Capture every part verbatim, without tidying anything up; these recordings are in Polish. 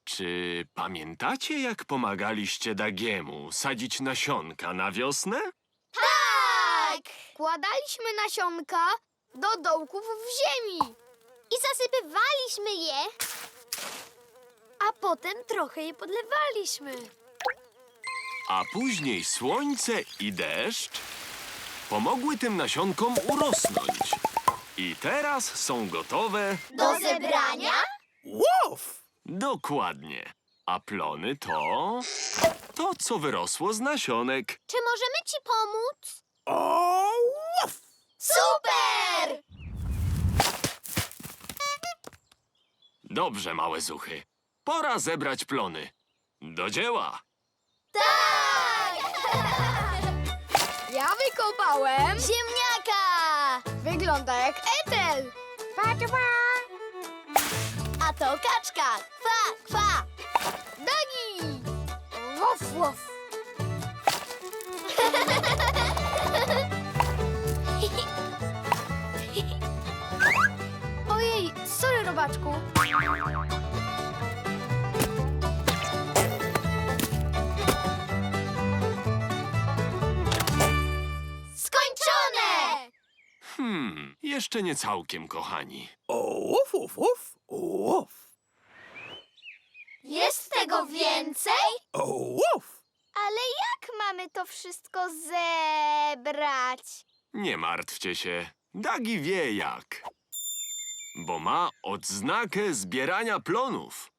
Czy pamiętacie, jak pomagaliście Dagiemu sadzić nasionka na wiosnę? Tak! Kładaliśmy nasionka do dołków w ziemi. I zasypywaliśmy je. A potem trochę je podlewaliśmy. A później słońce i deszcz pomogły tym nasionkom urosnąć. I teraz są gotowe. Do zebrania? Łow! Dokładnie. A plony to... to, co wyrosło z nasionek. Czy możemy ci pomóc? O, łow! Super! Dobrze, małe zuchy. Pora zebrać plony. Do dzieła! Tak! Ja wykopałem. Ziemniaka! Wygląda jak Ethel. A to kaczka! Kwa, kwa! Dagi. Wof, wof. Ojej, sorry, robaczku. Skończone! Hmm, jeszcze nie całkiem, kochani. O, łow, łow, łow, łow. Jest tego więcej? O, łow. Ale jak mamy to wszystko zebrać? Nie martwcie się. Dagi wie jak. Bo ma odznakę zbierania plonów.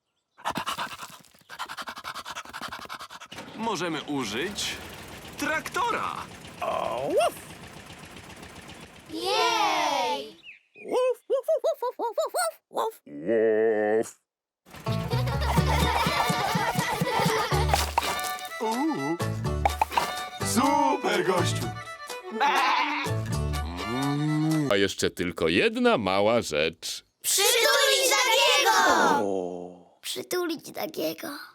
Możemy użyć traktora. O, łow. Jej! Łow, łow, łow, łow, łow, łow, łow. Łow. Uuu. Super, gościu. A jeszcze tylko jedna mała rzecz. Przytulić takiego! O. Przytulić takiego.